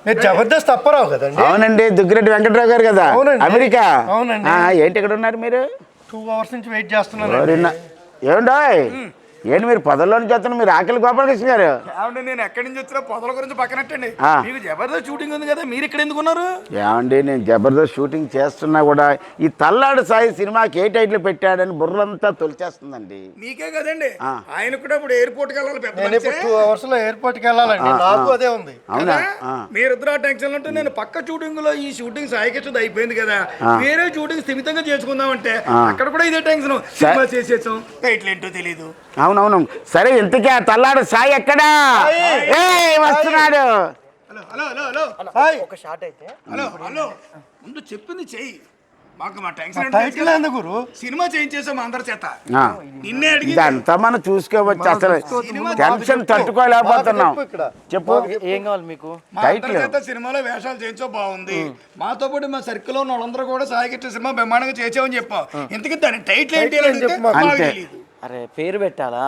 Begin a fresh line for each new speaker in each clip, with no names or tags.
మీరు జబర్దస్త్ అప్పారావు కదండి?
అవునండి, దుగ్గిరెడ్డి వెంకటరావు గారు కదా,
అవునండి.
అమెరికా.
అవునండి.
ఏంటి ఇక్కడ ఉన్నారు మీరు?
2 hours నుంచి వెయిట్ చేస్తున్నాను.
ఏమండో ఏంటి మీరు పొదల్లోని చేస్తున్నారు? మీరు ఆకలి గోపాలకృష్ణ గారు.
ఏమండి నేను ఎక్కడి నుంచి వచ్చినా పొదల గురించి పక్కనట్టండి. మీకు జబర్దస్త్ షూటింగ్ ఉంది కదా, మీరు ఇక్కడ ఎందుకున్నారు?
ఏమండి నేను జబర్దస్త్ షూటింగ్ చేస్తున్నా కూడా ఈ తల్లాడు సాయి సినిమాకి ఏ టైటిల్ పెట్టాడని బుర్రంతా తొలిచేస్తుందండి.
మీకే కదండి, ఆయన కూడా ఇప్పుడు ఎయిర్పోర్ట్కి వెళ్ళాలి. పెద్ద
నేను ఇప్పుడు 2 hours లో ఎయిర్పోర్ట్కి వెళ్ళాలండి. నాకు అదే ఉంది.
అవునా?
మీరిద్దరు ఆ టెన్షన్ ఉంటే నేను పక్క షూటింగ్ లో ఈ షూటింగ్ సాయికిచ్చుది అయిపోయింది కదా, వేరే షూటింగ్ స్థిమితంగా చేసుకుందామంటే అక్కడ కూడా ఇదే టెన్షన్. సినిమా చేసేసాం, టైటిల్ ఏంటో తెలీదు.
అవునవును. సరే ఇంతకీ ఆ తల్లాడు సాయి ఎక్కడా? వస్తున్నాడు.
Hello hello hello hello
hi.
ఒక షాట్ అయితే
హలో హలో ముందు చెప్పింది చెయ్యి. మాకు మా టెన్షన్
టైటిల్ ఎందుకు గురు?
సినిమా చేయించేసాం అందరి చేత. నిన్నే అడిగి
ఇదంతా మనం చూసుకోవచ్చు. అసలు టెన్షన్ తట్టుకోలేకపోతున్నాం. చెప్పు
ఏం కావాలి మీకు?
మా అందరి చేత సినిమాలో వేషాలు చేయించో బాగుంది. మాతో పాటు మా సర్కిల్ ఉన్న వాళ్ళందరూ కూడా సాయికిచ్చే సినిమా బ్రహ్మాండంగా చేసామని చెప్పాం. ఇంతకీ దాని టైటిల్ ఏంటి అని అడిగితే మాకు తెలీదు.
అరే పేరు పెట్టాలా?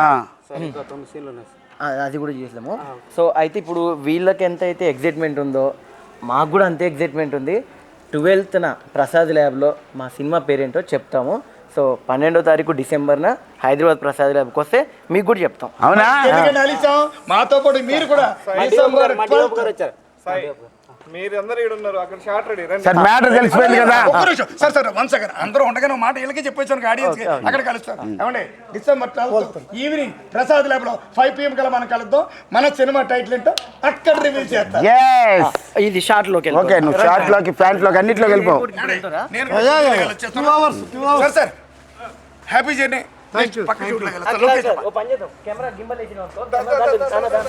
అది కూడా చేసాము. సో అయితే ఇప్పుడు వీళ్ళకి ఎంత అయితే ఎగ్జైట్మెంట్ ఉందో మాకు కూడా అంతే ఎగ్జైట్మెంట్ ఉంది. 12th ప్రసాద్ ల్యాబ్లో మా సినిమా పేరేంటో చెప్తాము. సో 12వ తారీఖు డిసెంబర్న హైదరాబాద్ ప్రసాద్ ల్యాబ్కి వస్తే మీకు కూడా చెప్తాం.
అవునా?
ఎందుకంటే అలిసాం మాతో పాటు మీరు కూడా
సార్ మ్యాటర్ తెలిసిపోయింది కదా.
సార్ సార్ వన్ సెకండ్, అందరూ ఉండగానే ఒక మాట వీళ్ళకి చెప్పేసాను ఆడియన్స్ కి. అక్కడ కలుస్తాం. ఏమండి డిసెంబర్ 12 ఈవినింగ్ ప్రసాద్ ల్యాబ్ లో 5 PM కల్లా మనం కలుద్దాం. మన సినిమా టైటిల్ ఏంటో అక్కడ రివీల్ చేస్తాం.
ఇది షార్ట్ లోకి
ఓకే, నువ్వు షార్ట్ లోకి ప్యాంట్ లోకి అన్నిట్లోకి వెళ్ళిపో.
Sir sir happy journey.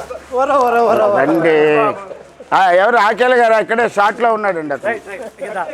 రండి. ఎవరు ఆకేల గారు అక్కడే షార్ట్ లో ఉన్నాడండి అతను.